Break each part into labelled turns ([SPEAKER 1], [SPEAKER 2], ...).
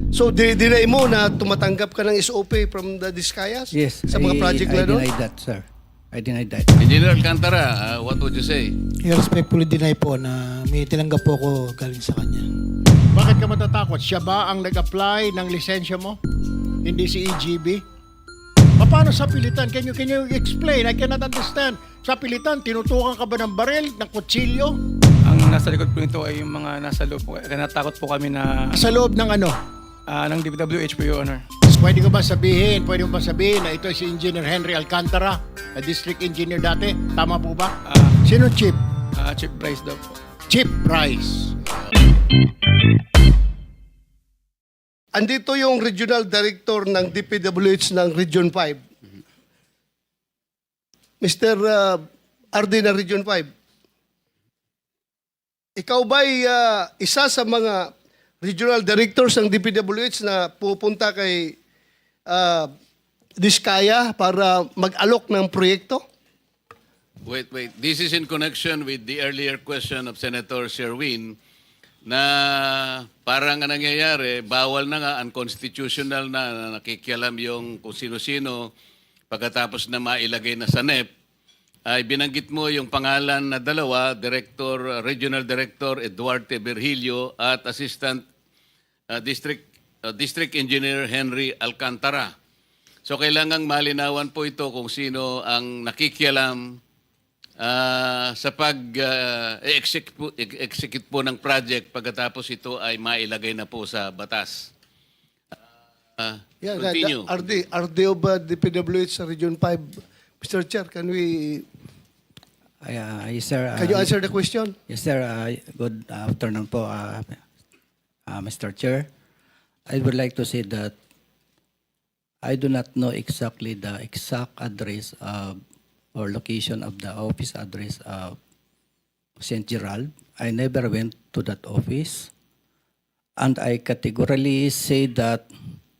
[SPEAKER 1] So, dinay mo na tumatanggap ka ng SOP from the Discayas?
[SPEAKER 2] Yes.
[SPEAKER 1] Sa mga project na
[SPEAKER 2] I
[SPEAKER 1] doon?
[SPEAKER 2] deny that, sir. I deny that.
[SPEAKER 3] Engineer Alcantara, what would you say?
[SPEAKER 4] I respectfully deny po na may tinanggap po ako galing sa kanya.
[SPEAKER 5] Bakit ka matatakot? Siya ba ang nag-apply ng lisensya mo? Hindi si EGB? Paano sa pilitan? Can you explain? I cannot understand. Sa pilitan, tinutukan ka ba ng baril, ng kutsilyo?
[SPEAKER 6] Ang nasa likod po nito ay yung mga nasa loob po. Kaya natakot po kami na
[SPEAKER 5] Sa loob ng ano?
[SPEAKER 6] ng DPWH po, Your Honor.
[SPEAKER 5] Pwede mo ba sabihin na ito si Engineer Henry Alcantara, na district engineer dati? Tama po ba? Sino Chief?
[SPEAKER 6] Chief Bryce daw po.
[SPEAKER 5] Chief Price.
[SPEAKER 1] Andito yung regional director ng DPWH ng Region 5. Mr. RD ng Region 5. Ikaw ba'y isa sa mga regional directors ng DPWH na pupunta kay Diskaya para mag-alok ng proyekto?
[SPEAKER 3] Wait. This is in connection with the earlier question of Senator Sherwin na parang ang nangyayari, bawal na nga, unconstitutional na nakikialam yung kung sino-sino pagkatapos na mailagay na sa NEP, ay binanggit mo yung pangalan na dalawa, Regional Director Eduardo Virgilio at Assistant District Engineer Henry Alcantara. So kailangang malinawan po ito kung sino ang nakikialam sa pag-execute po ng project pagkatapos ito ay mailagay na po sa batas. Continue.
[SPEAKER 1] RD of DPWH sa Region 5. Mr. Chair, can we...
[SPEAKER 2] Yes, sir.
[SPEAKER 1] Can you answer the question?
[SPEAKER 2] Yes, sir. Good afternoon po, Mr. Chair. I would like to say that I do not know exactly the exact address or location of the office address of St. Gerald. I never went to that office. And I categorically say that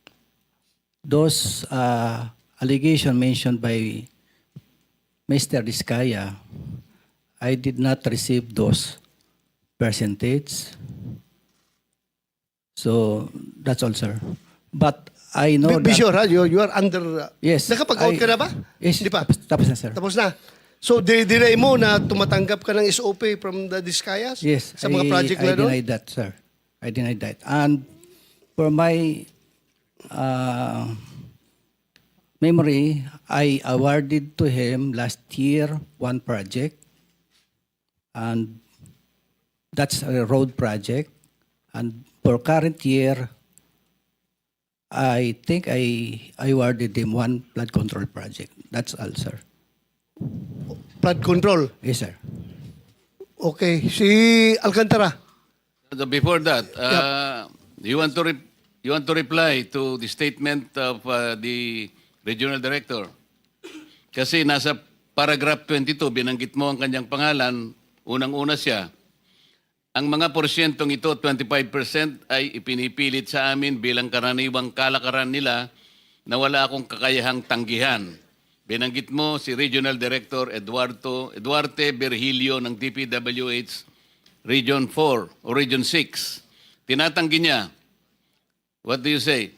[SPEAKER 2] those allegations mentioned by Mr. Diskaya, I did not receive those percentage. So, that's all, sir. But I know
[SPEAKER 1] Be
[SPEAKER 2] that...
[SPEAKER 1] sure, ha? You are under...
[SPEAKER 2] Yes.
[SPEAKER 1] Nakapag-out ka na ba?
[SPEAKER 2] Yes.
[SPEAKER 1] Hindi pa?
[SPEAKER 2] Tapos na, sir.
[SPEAKER 1] Tapos na. So, dinay mo na tumatanggap ka ng SOP from the Discayas?
[SPEAKER 2] Yes.
[SPEAKER 1] Sa mga project na
[SPEAKER 2] I
[SPEAKER 1] doon?
[SPEAKER 2] deny that, sir. I deny that. And for my memory, I awarded to him last year one project. And that's a road project. And for current year, I think I awarded him one flood control project. That's all, sir.
[SPEAKER 1] Flood control.
[SPEAKER 2] Yes, sir.
[SPEAKER 1] Okay. Si Alcantara.
[SPEAKER 3] Before that, you want to reply to the statement of the Regional Director? Kasi nasa paragraph 22, binanggit mo ang kanyang pangalan, unang-una siya. Ang mga porsyentong ito, 25%, ay ipinipilit sa amin bilang karaniwang kalakaran nila na wala akong kakayahang tanggihan. Binanggit mo si Regional Director Eduardo Virgilio ng DPWH Region 4 o Region 6. Tinatanggi niya. What do you say?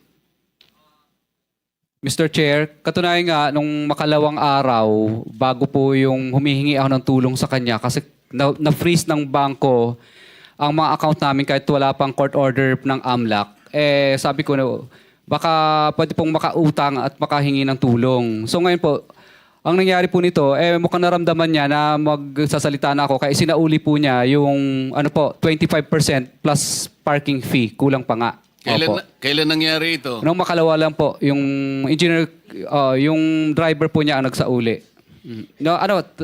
[SPEAKER 7] Mr. Chair, katunayan nga, nung makalawang araw, bago po yung humihingi ako ng tulong sa kanya, kasi na-freeze ng bangko ang mga account namin kahit wala pang court order ng AMLAC, sabi ko na, baka pwede pong makautang at makahingi ng tulong. So ngayon po, ang nangyari po nito, mukhang naramdaman niya na magsasalita na ako, kaya sinauli po niya yung 25% plus parking fee, kulang pa nga.
[SPEAKER 3] Kailan nangyari ito?
[SPEAKER 7] Nung makalawa lang po, yung engineer, yung driver po niya ang nagsauli. No,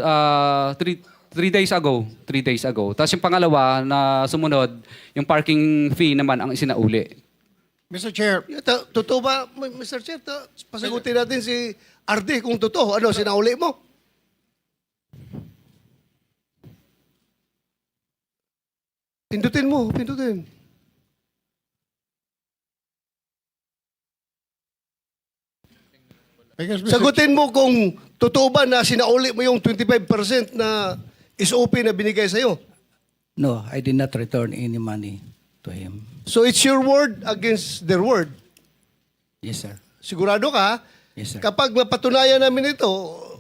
[SPEAKER 7] 3 days ago. 3 days ago. Tapos yung pangalawa na sumunod, yung parking fee naman ang isinauli.
[SPEAKER 5] Mr. Chair,
[SPEAKER 1] Totoo ba, Mr. Chair? Pasagutin natin si RD kung totoo. Ano, sinauli mo? Pindutin mo, pindutin.
[SPEAKER 5] because
[SPEAKER 1] Sagutin mo kung totoo ba na sinauli mo yung 25% na SOP na binigay sa'yo.
[SPEAKER 2] No, I did not return any money to him.
[SPEAKER 1] So it's your word against their word.
[SPEAKER 2] Yes, sir.
[SPEAKER 1] Sigurado ka?
[SPEAKER 2] Yes, sir.
[SPEAKER 1] Kapag mapatunayan namin ito,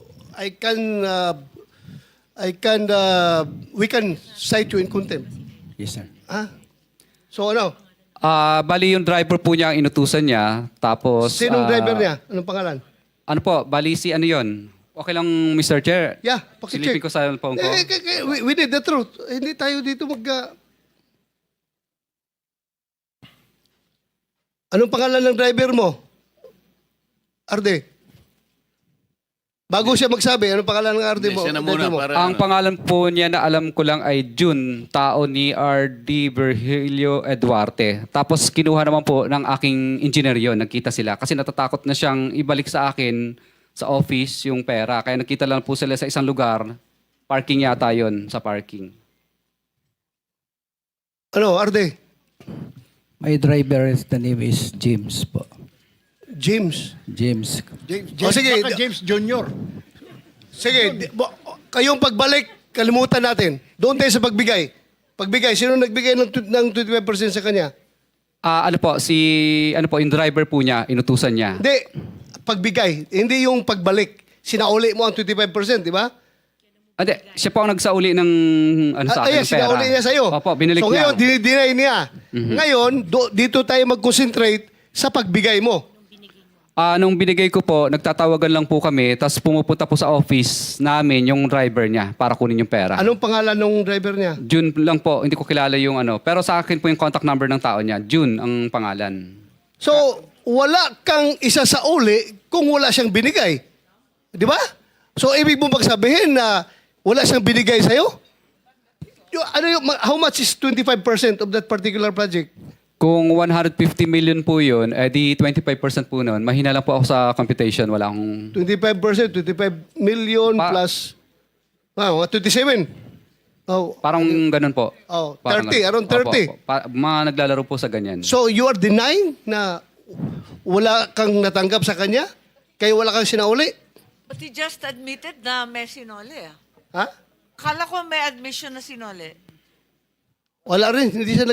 [SPEAKER 1] we can cite you in contempt.
[SPEAKER 2] Yes, sir.
[SPEAKER 1] Ha? So ano?
[SPEAKER 7] Bali yung driver po niya ang inutusan niya. Tapos...
[SPEAKER 1] Sinong driver niya? Anong pangalan?
[SPEAKER 7] Ano po, bali si ano yun? Okay lang, Mr. Chair.
[SPEAKER 1] Yeah,
[SPEAKER 7] Silipin
[SPEAKER 1] pakicheck.
[SPEAKER 7] ko sa phone ko.
[SPEAKER 1] We need the truth. Hindi tayo dito Anong pangalan ng driver mo? Arde. Bago siya magsabi, anong pangalan ng Arde mo?
[SPEAKER 3] Siya na muna
[SPEAKER 1] driver mo?
[SPEAKER 3] para...
[SPEAKER 7] Ang pangalan po niya na alam ko lang ay June, tao ni R.D. Virgilio Eduarte. Tapos kinuha naman po ng aking engineer yon, nagkita sila. Kasi natatakot na siyang ibalik sa akin sa office yung pera. Kaya nakita lang po sila sa isang lugar. Parking yata yon sa parking.
[SPEAKER 1] Ano, Arde?
[SPEAKER 2] My driver, the name is James po.
[SPEAKER 1] James.
[SPEAKER 2] James.
[SPEAKER 1] O, sige.
[SPEAKER 5] Baka James Jr.
[SPEAKER 1] Sige, kayong pagbalik, kalimutan natin. Doon tayo sa pagbigay. Pagbigay, sino nagbigay ng 25% sa kanya?
[SPEAKER 7] Ano po, yung driver po niya, inutusan niya.
[SPEAKER 1] Hindi, pagbigay. Hindi yung pagbalik. Sinauli mo ang 25%, di ba?
[SPEAKER 7] Hindi, siya po ang nagsauli ng sa akin,
[SPEAKER 1] Ayan,
[SPEAKER 7] ng pera.
[SPEAKER 1] sinauli niya sa'yo.
[SPEAKER 7] Opo, binalik
[SPEAKER 1] so
[SPEAKER 7] niya.
[SPEAKER 1] ngayon, dinideny niya. Ngayon, dito tayo mag-concentrate sa pagbigay mo.
[SPEAKER 7] Nung binigay ko po, nagtatawagan lang po kami, tapos pumupunta po sa office namin yung driver niya para kunin yung pera.
[SPEAKER 1] Anong pangalan ng driver niya?
[SPEAKER 7] June lang po, hindi ko kilala yung ano. Pero sa akin po yung contact number ng tao niya. June ang pangalan.
[SPEAKER 1] So, wala kang isa sa uli kung wala siyang binigay. Di ba? So, ibig mo magsabihin na wala siyang binigay sa'yo? How much is 25% of that particular project?
[SPEAKER 7] Kung 150 million po yun, di 25% po nun. Mahina lang po ako sa computation. Wala akong...
[SPEAKER 1] 25%, 25 million plus... 27. Oh,
[SPEAKER 7] Parang ganun po.
[SPEAKER 1] Oh,
[SPEAKER 7] Parang
[SPEAKER 1] 30, around 30.
[SPEAKER 7] Opo. Mga naglalaro po sa ganyan.
[SPEAKER 1] so, you are denying na wala kang natanggap sa kanya? Kaya wala kang sinauli?
[SPEAKER 8] But he just admitted na may sinole.
[SPEAKER 1] Ha?
[SPEAKER 8] Kala ko may admission na sinole.
[SPEAKER 1] Wala rin. Hindi siya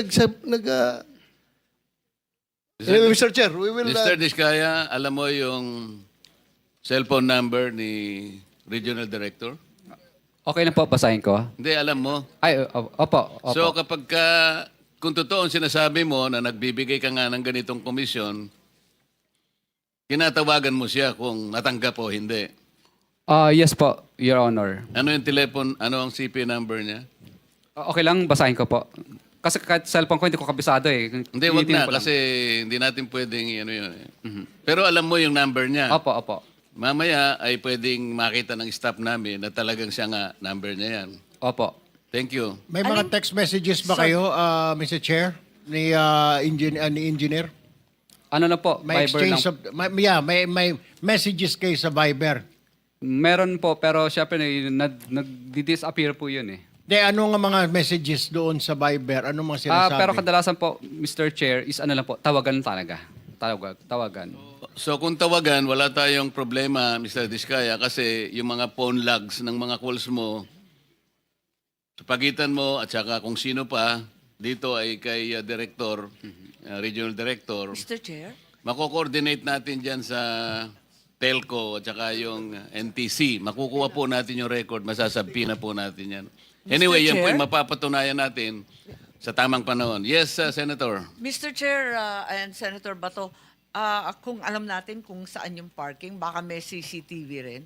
[SPEAKER 1] Anyway, Mr. Chair, we will...
[SPEAKER 3] Mr. Diskaya, alam mo yung cellphone number ni Regional Director?
[SPEAKER 7] Okay na po, basahin ko.
[SPEAKER 3] Hindi, alam mo.
[SPEAKER 7] Ay, opo.
[SPEAKER 3] So kapag kung totoo ang sinasabi mo na nagbibigay ka nga ng ganitong komisyon, kinatawagan mo siya kung natanggap o hindi.
[SPEAKER 7] Yes po, Your Honor.
[SPEAKER 3] Ano yung ano ang CP number niya?
[SPEAKER 7] Okay lang, basahin ko po. Kasi kahit cellphone ko, hindi ko kabisado eh.
[SPEAKER 3] Hindi, wag
[SPEAKER 7] Tinitingnan
[SPEAKER 3] na
[SPEAKER 7] ko lang.
[SPEAKER 3] kasi hindi natin pwedeng ano yun. Pero alam mo yung number niya.
[SPEAKER 7] Opo.
[SPEAKER 3] Mamaya ay pwedeng makita ng staff namin na talagang siya nga number niya yan.
[SPEAKER 7] Opo.
[SPEAKER 3] Thank you.
[SPEAKER 5] May mga text messages ba kayo, Mr. Chair, ni engineer?
[SPEAKER 7] Ano lang po,
[SPEAKER 5] May
[SPEAKER 7] Viber lang.
[SPEAKER 5] exchange of, may messages kayo sa Viber.
[SPEAKER 7] Meron po, pero syempre nag-disappear po yun eh.
[SPEAKER 5] De, ano nga mga messages doon sa Viber? Ano mga sinasabi?
[SPEAKER 7] Pero kadalasan po, Mr. Chair, is ano lang po, tawagan talaga. Tawagan.
[SPEAKER 3] So kung tawagan, wala tayong problema, Mr. Diskaya, kasi yung mga phone logs ng mga calls mo, sa pagitan mo at saka kung sino pa, dito ay kay Director, Regional Director,
[SPEAKER 8] Mr. Chair?
[SPEAKER 3] mako-coordinate natin dyan sa telco at saka yung NTC. Makukuha po natin yung record, masasabi na po natin yan. Anyway, yan po
[SPEAKER 8] Chair?
[SPEAKER 3] yung mapapatunayan natin sa tamang panahon. Yes, Senator.
[SPEAKER 8] Mr. Chair and Senator Bato, kung alam natin kung saan yung parking, baka may CCTV rin.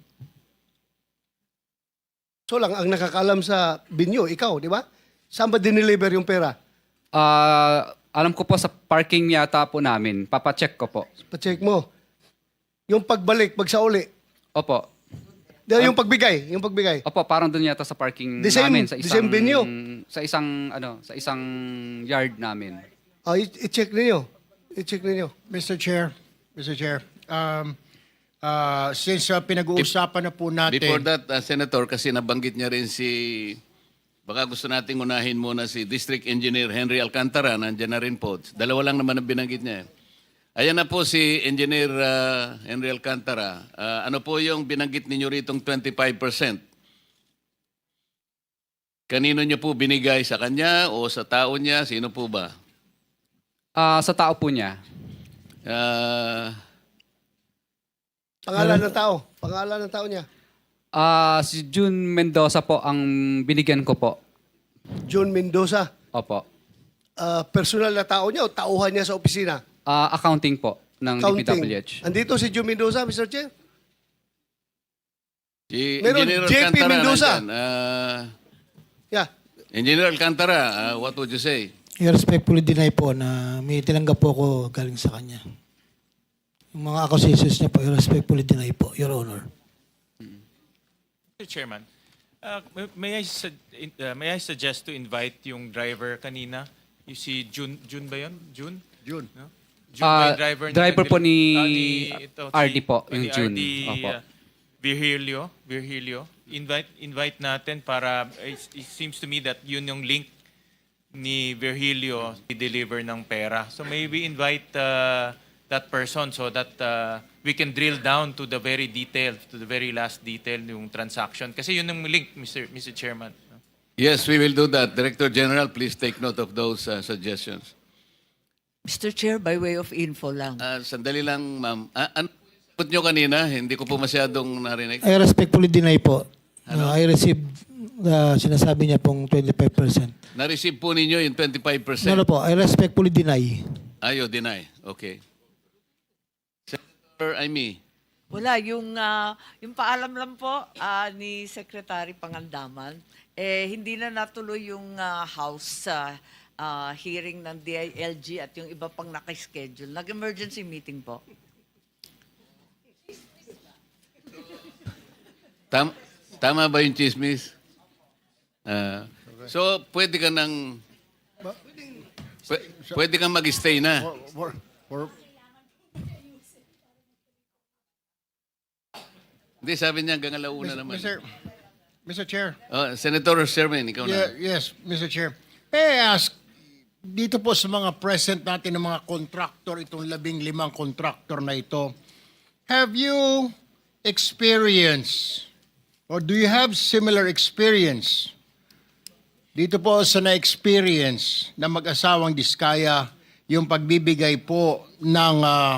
[SPEAKER 1] So lang, ang nakakalam sa binyo, ikaw, di ba? Saan ba dineliver yung pera?
[SPEAKER 7] Alam ko po sa parking yata po namin. Papacheck ko po.
[SPEAKER 1] Pa-check mo. Yung pagbalik, pagsauli.
[SPEAKER 7] Opo.
[SPEAKER 1] Yung pagbigay.
[SPEAKER 7] Opo, parang doon yata sa parking
[SPEAKER 1] The same-
[SPEAKER 7] namin. Sa
[SPEAKER 1] the
[SPEAKER 7] isang,
[SPEAKER 1] same venue?
[SPEAKER 7] Sa isang yard namin.
[SPEAKER 1] I-check ninyo. I-check ninyo.
[SPEAKER 5] Mr. Chair, since pinag-uusapan na po natin...
[SPEAKER 3] Before that, Senator, kasi nabanggit niya rin baka gusto nating unahin muna si District Engineer Henry Alcantara, nandiyan na rin po. Dalawa lang naman ang binanggit niya. Ayan na po si Engineer Henry Alcantara. Ano po yung binanggit ninyo ritong 25%? Kanino niyo po binigay? Sa kanya o sa tao niya? Sino po ba?
[SPEAKER 7] Sa tao po niya.
[SPEAKER 1] Pangalan ng tao. Pangalan ng tao niya.
[SPEAKER 7] Si June Mendoza po ang binigyan ko po.
[SPEAKER 1] John Mendoza.
[SPEAKER 7] Opo.
[SPEAKER 1] Personal na tao niya o tauhan niya sa opisina?
[SPEAKER 7] Accounting po ng DPWH.
[SPEAKER 1] Andito si John Mendoza, Mr. Chair?
[SPEAKER 3] Si
[SPEAKER 1] Meron,
[SPEAKER 3] Engineer
[SPEAKER 1] JP
[SPEAKER 3] Alcantara
[SPEAKER 1] Mendoza.
[SPEAKER 3] nandyan.
[SPEAKER 1] Yeah.
[SPEAKER 3] Engineer Alcantara, what would you say?
[SPEAKER 4] I respectfully deny po na may tinanggap po ako galing sa kanya. Yung mga accusations niya po, I respectfully deny po, Your Honor.
[SPEAKER 9] Mr. Chairman, may I suggest to invite yung driver kanina? You see June ba yun? June?
[SPEAKER 5] June.
[SPEAKER 9] No? June ba yung driver?
[SPEAKER 7] Driver po ni
[SPEAKER 9] ito,
[SPEAKER 7] RD po, yung
[SPEAKER 9] ni
[SPEAKER 7] June.
[SPEAKER 9] RD
[SPEAKER 7] Opo.
[SPEAKER 9] Virgilio. Invite natin para, it seems to me that yun yung link ni Virgilio i-deliver ng pera. So maybe invite that person so that we can drill down to the very detail, to the very last detail yung transaction. Kasi yun yung link, Mr. Chairman.
[SPEAKER 3] Yes, we will do that. Director General, please take note of those suggestions.
[SPEAKER 8] Mr. Chair, by way of info lang.
[SPEAKER 3] Sandali lang, ma'am. Ano put nyo kanina? Hindi ko po masyadong narinig.
[SPEAKER 4] I respectfully deny po. I received sinasabi niya pong 25%.
[SPEAKER 3] Na-receive po ninyo yung 25%?
[SPEAKER 4] No po, I respectfully deny.
[SPEAKER 3] Ayo, deny. Okay. Senator Amy.
[SPEAKER 8] Wala, yung paalam lang po ni Secretary Pangandaman, hindi na natuloy yung House hearing ng DILG at yung iba pang nakaschedule. Nag-emergency meeting po.
[SPEAKER 3] Tama ba yung chismis? So, pwede ka nang... Pwede kang mag-stay na. Hindi, sabi niya hanggang alauna naman.
[SPEAKER 5] Mr. Chair.
[SPEAKER 3] Senator Sherman, ikaw na.
[SPEAKER 5] Yes, Mr. Chair. May I ask, dito po sa mga present natin ng mga contractor, itong 15 contractor na ito, have you experienced or do you have similar experience dito po sa na-experience na mag-asawang Diskaya yung pagbibigay po ng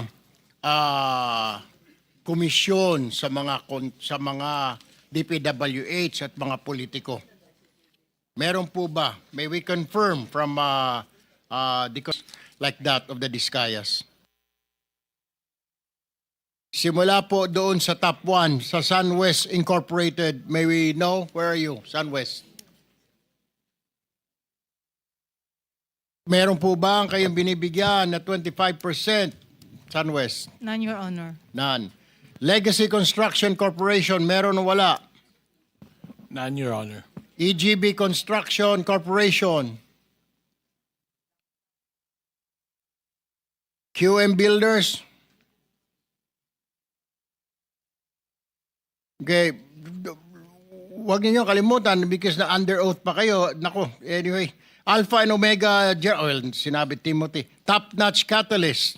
[SPEAKER 5] komisyon sa mga DPWH at mga politiko? Meron po ba? May we confirm from like that of the Diskayas? Simula po doon sa top 1, sa SunWest Incorporated, may we know? Where are you, SunWest? Meron po ba ang kayong binibigyan na 25%, SunWest?
[SPEAKER 10] None, Your Honor.
[SPEAKER 5] None. Legacy Construction Corporation, meron o wala?
[SPEAKER 6] None, Your Honor.
[SPEAKER 5] EGB Construction Corporation. QM Builders. Okay. Huwag niyo kalimutan because na under oath pa kayo. Nako, anyway. Alpha and Omega, sinabi Timothy. Top Notch Catalyst.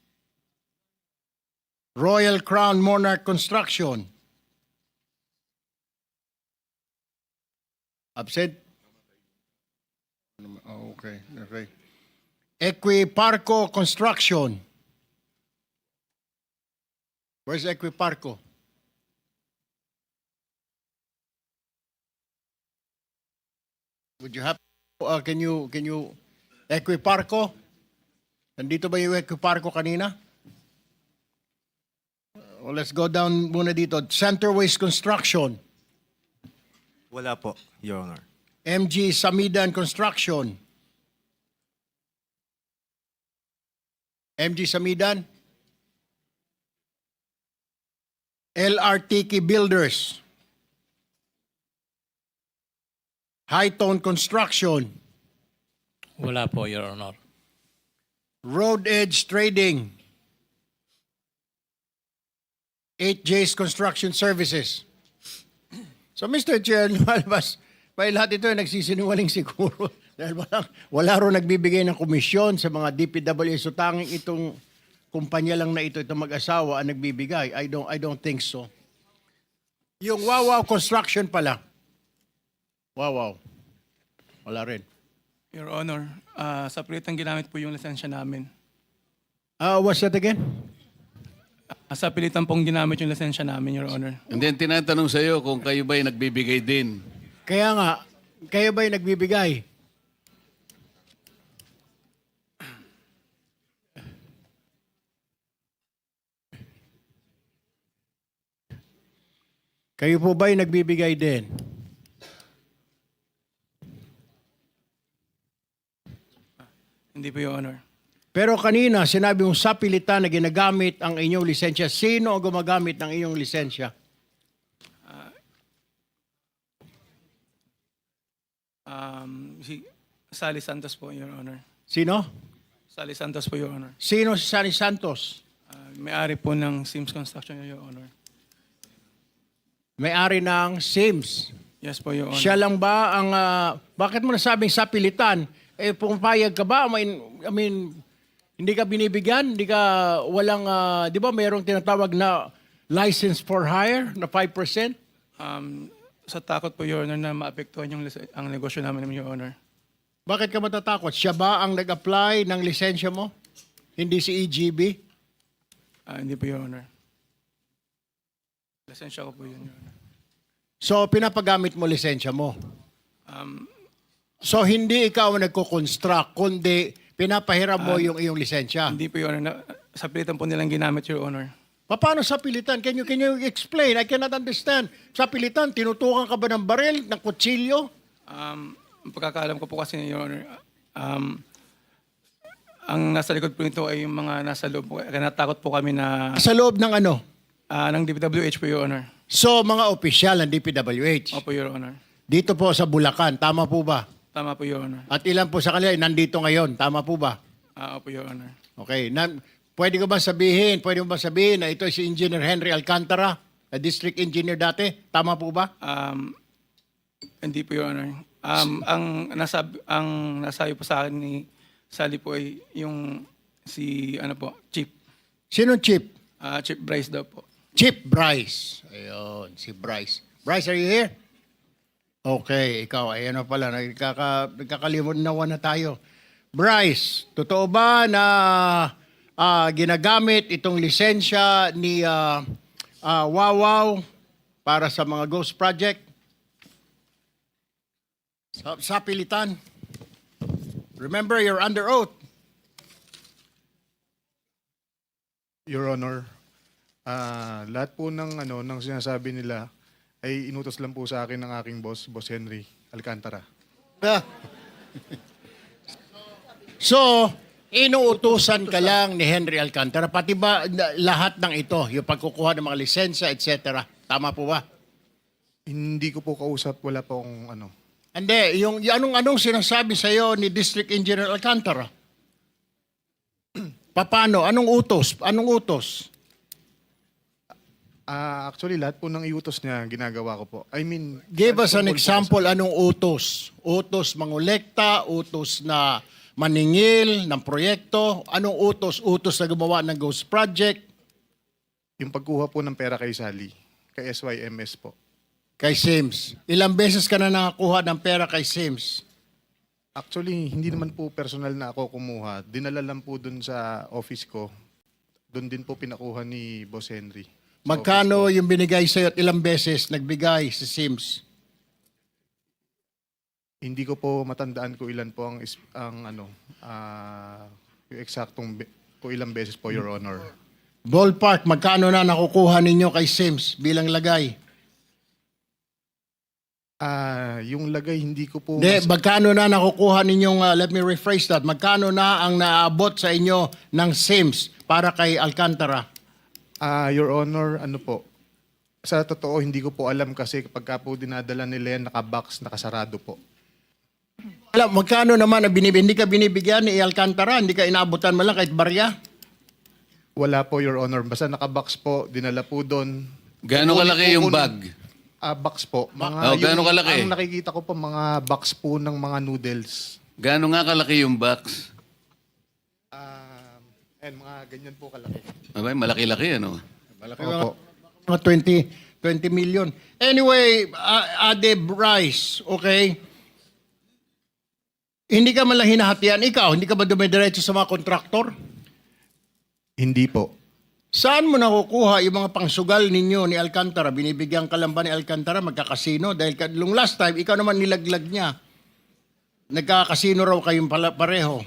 [SPEAKER 5] Royal Crown Monarch Construction. Absent? Okay. Equiparco Construction. Where's Equiparco? Would you have can you Equiparco? Nandito ba yung Equiparco kanina? Well, let's go down muna dito. Center Waste Construction.
[SPEAKER 11] Wala po, Your Honor.
[SPEAKER 5] MG Samidan Construction. MG Samidan. LRTK Builders. Hightone Construction.
[SPEAKER 6] Wala po, Your Honor.
[SPEAKER 5] Road Edge Trading. 8J's Construction Services. So, Mr. Chair, lumalabas, may lahat ito ay nagsisinungaling siguro. Dahil wala ro nagbibigay ng komisyon sa mga DPWH. So, tanging itong kumpanya lang na ito, itong mag-asawa ang nagbibigay. I don't think so. Yung Wawaw Construction pala. Wawaw. Wala rin.
[SPEAKER 6] Your Honor, Sa pilitang ginamit po yung lisensya namin.
[SPEAKER 5] What's that again?
[SPEAKER 6] Sa pilitan pong ginamit yung lisensya namin, Your Honor.
[SPEAKER 3] And then tinatanong sa iyo kung kayo ba'y nagbibigay din.
[SPEAKER 5] Kaya nga, kayo ba'y nagbibigay? Kayo po ba'y nagbibigay din?
[SPEAKER 6] Hindi po, Your Honor.
[SPEAKER 5] Pero kanina, sinabi mong sa pilitan na ginagamit ang inyong lisensya. Sino ang gumagamit ng inyong lisensya?
[SPEAKER 6] Si Sally Santos po, Your Honor.
[SPEAKER 5] Sino?
[SPEAKER 6] Sally Santos po, Your Honor.
[SPEAKER 5] Sino si Sani Santos?
[SPEAKER 6] May-ari po ng Sims Construction, Your Honor.
[SPEAKER 5] May-ari ng Sims.
[SPEAKER 6] Yes po, Your Honor.
[SPEAKER 5] Siya lang ba ang... bakit mo nasabing sa pilitan? Pumapayag ka ba? I mean, hindi ka binibigyan? Hindi ka walang... di ba mayroong tinatawag na license for hire na 5%?
[SPEAKER 6] Sa takot po, Your Honor, na maapektuhan ang negosyo namin, Your Honor.
[SPEAKER 5] Bakit ka matatakot? Siya ba ang nag-apply ng lisensya mo? Hindi si EGB?
[SPEAKER 6] Hindi po, Your Honor. Lisensya ko po yun, Your Honor.
[SPEAKER 5] So, pinapagamit mo lisensya mo? So, hindi ikaw ang nagko-construct, kundi pinapahiram mo yung iyong lisensya?
[SPEAKER 6] Hindi po, Your Honor. Sa pilitan po nilang ginamit, Your Honor.
[SPEAKER 5] Paano sa pilitan? Can you explain? I cannot understand. Sa pilitan, tinutukan ka ba ng baril, ng kutsilyo?
[SPEAKER 6] Ang pagkakaalam ko po kasi, Your Honor, ang nasa likod po nito ay yung mga nasa loob po. Kaya natakot po kami na
[SPEAKER 5] Sa loob ng ano?
[SPEAKER 6] ng DPWH po, Your Honor.
[SPEAKER 5] So, mga opisyal ng DPWH.
[SPEAKER 6] Opo, Your Honor.
[SPEAKER 5] Dito po sa Bulacan, tama po ba?
[SPEAKER 6] Tama po, Your Honor.
[SPEAKER 5] At ilan po sa kanila ay nandito ngayon, tama po ba?
[SPEAKER 6] Opo, Your Honor.
[SPEAKER 5] Okay. Pwede mo ba sabihin na ito si Engineer Henry Alcantara, na district engineer dati? Tama po ba?
[SPEAKER 6] Hindi po, Your Honor. Ang nasabi po sa akin ni Sally po ay yung si Chief.
[SPEAKER 5] Sino Chief?
[SPEAKER 6] Chief Bryce daw po.
[SPEAKER 5] Chief Bryce. Ayun, si Bryce. Bryce, are you here? Okay, ikaw, ay ano pala, nagkakalimunawan na tayo. Bryce, totoo ba na ginagamit itong lisensya ni Wawaw para sa mga ghost project? Sa pilitan. Remember, you're under oath.
[SPEAKER 11] Your Honor, lahat po ng sinasabi nila ay inutos lang po sa akin ng aking boss, Boss Henry Alcantara.
[SPEAKER 5] So, inuutusan ka lang ni Henry Alcantara, pati ba lahat ng ito, yung pagkukuha ng mga lisensya, etc. Tama po ba?
[SPEAKER 11] Hindi ko po kausap, wala po akong
[SPEAKER 5] Hindi, yung anong sinasabi sa iyo ni District Engineer Alcantara? Paano? Anong utos? Anong utos?
[SPEAKER 11] Actually, lahat po ng iutos niya, ginagawa ko po. I mean...
[SPEAKER 5] Give us an
[SPEAKER 11] tungkol po
[SPEAKER 5] example, anong utos? Utos mangolekta, utos na maningil ng proyekto, anong utos? Utos na gumawa ng ghost project?
[SPEAKER 11] Yung pagkuha po ng pera kay Sally, kay SYMS po.
[SPEAKER 5] Kay Sims. Ilang beses ka na nakakuha ng pera kay Sims?
[SPEAKER 11] Actually, hindi naman po personal na ako kumuha. Dinala lang po dun sa office ko. Doon din po pinakuha ni Boss Henry. Sa
[SPEAKER 5] Magkano
[SPEAKER 11] office
[SPEAKER 5] yung binigay sa'yo at ilang beses nagbigay si Sims?
[SPEAKER 11] Hindi ko po matandaan ko ilan po yung eksaktong ko ilang beses po, Your Honor.
[SPEAKER 5] Ballpark, magkano na nakukuha ninyo kay Sims bilang lagay?
[SPEAKER 11] Yung lagay, hindi ko po...
[SPEAKER 5] Hindi, magkano na nakukuha ninyong, let me rephrase that, magkano na ang naabot sa inyo ng Sims para kay Alcantara?
[SPEAKER 11] Your Honor, sa totoo, hindi ko po alam kasi kapag po dinadala nila yan, nakabox, nakasarado po.
[SPEAKER 5] Alam, magkano naman hindi ka binibigyan ni Alcantara? Hindi ka inabutan mo lang kahit barya?
[SPEAKER 11] Wala po, Your Honor. Basta nakabox po, dinala po doon.
[SPEAKER 3] Gaano kalaki yung bag?
[SPEAKER 11] Box po.
[SPEAKER 3] gaano kalaki?
[SPEAKER 11] Ang nakikita ko po, mga box po ng mga noodles.
[SPEAKER 3] Gaano nga kalaki yung box?
[SPEAKER 11] Mga ganyan po kalaki.
[SPEAKER 3] Abay, malaki-laki, ano?
[SPEAKER 11] Opo.
[SPEAKER 5] Mga 20 million. Anyway, Ade Bryce, okay? Hindi ka man lang hinahatian. Ikaw, hindi ka ba dumidiretso sa mga kontraktor?
[SPEAKER 11] Hindi po.
[SPEAKER 5] Saan mo nakukuha yung mga pangsugal ninyo ni Alcantara? Binibigyan ka lang ba ni Alcantara magkakasino? Dahil nung last time, ikaw naman nilaglag niya. Nagkakasino raw kayong pareho.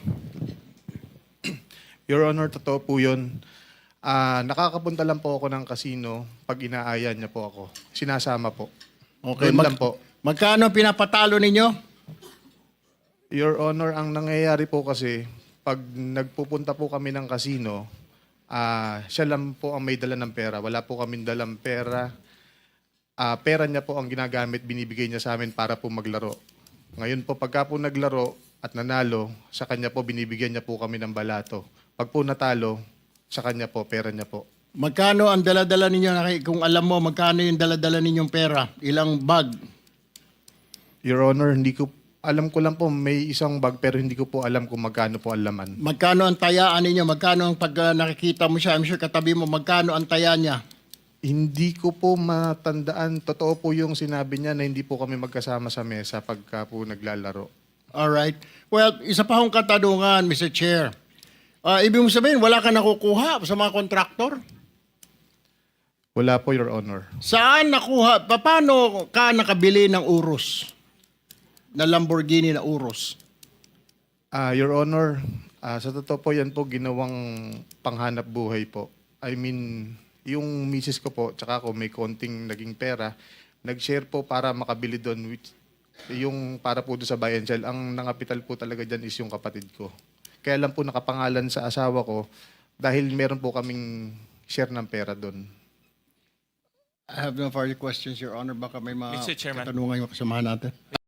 [SPEAKER 11] Your Honor, totoo po yun. Nakakapunta lang po ako ng casino pag inaayan niya po ako. Sinasama po.
[SPEAKER 5] Okay,
[SPEAKER 11] Doon lang po.
[SPEAKER 5] Magkano pinapatalo ninyo?
[SPEAKER 11] Your Honor, ang nangyayari po kasi, pag nagpupunta po kami ng casino, siya lang po ang may dala ng pera. Wala po kaming dalang pera. Pera niya po ang ginagamit, binibigay niya sa amin para po maglaro. Ngayon po, pagka po naglaro at nanalo, sa kanya po binibigyan niya po kami ng balato. Pag po natalo, sa kanya po, pera niya po.
[SPEAKER 5] Magkano ang dala-dala ninyo? Kung alam mo, magkano yung dala-dala ninyong pera? Ilang bag?
[SPEAKER 11] Your Honor, alam ko lang po may isang bag pero hindi ko po alam kung magkano po ang laman.
[SPEAKER 5] Magkano ang tayaan ninyo? Magkano ang pag nakikita mo siya? I'm sure katabi mo, magkano ang taya niya?
[SPEAKER 11] Hindi ko po matandaan. Totoo po yung sinabi niya na hindi po kami magkasama sa mesa pagka po naglalaro.
[SPEAKER 5] Alright. Well, isa pa akong katanungan, Mr. Chair. Ibig mo sabihin, wala ka nakukuha sa mga kontraktor?
[SPEAKER 11] Wala po, Your Honor.
[SPEAKER 5] Saan nakuha? Paano ka nakabili ng Urus? Na Lamborghini na Urus?
[SPEAKER 11] Your Honor, sa totoo po yan po ginawang panghanap buhay po. I mean, yung misis ko po, tsaka ako may konting naging pera, nag-share po para makabili doon, which, yung para po doon sa buy and sell. Ang nangapital po talaga dyan is yung kapatid ko. Kaya lang po nakapangalan sa asawa ko dahil meron po kaming share ng pera doon.
[SPEAKER 5] I have no further questions, Your Honor. Baka may mga
[SPEAKER 9] Mr. Chairman.
[SPEAKER 5] katanungan yung kasamahan natin.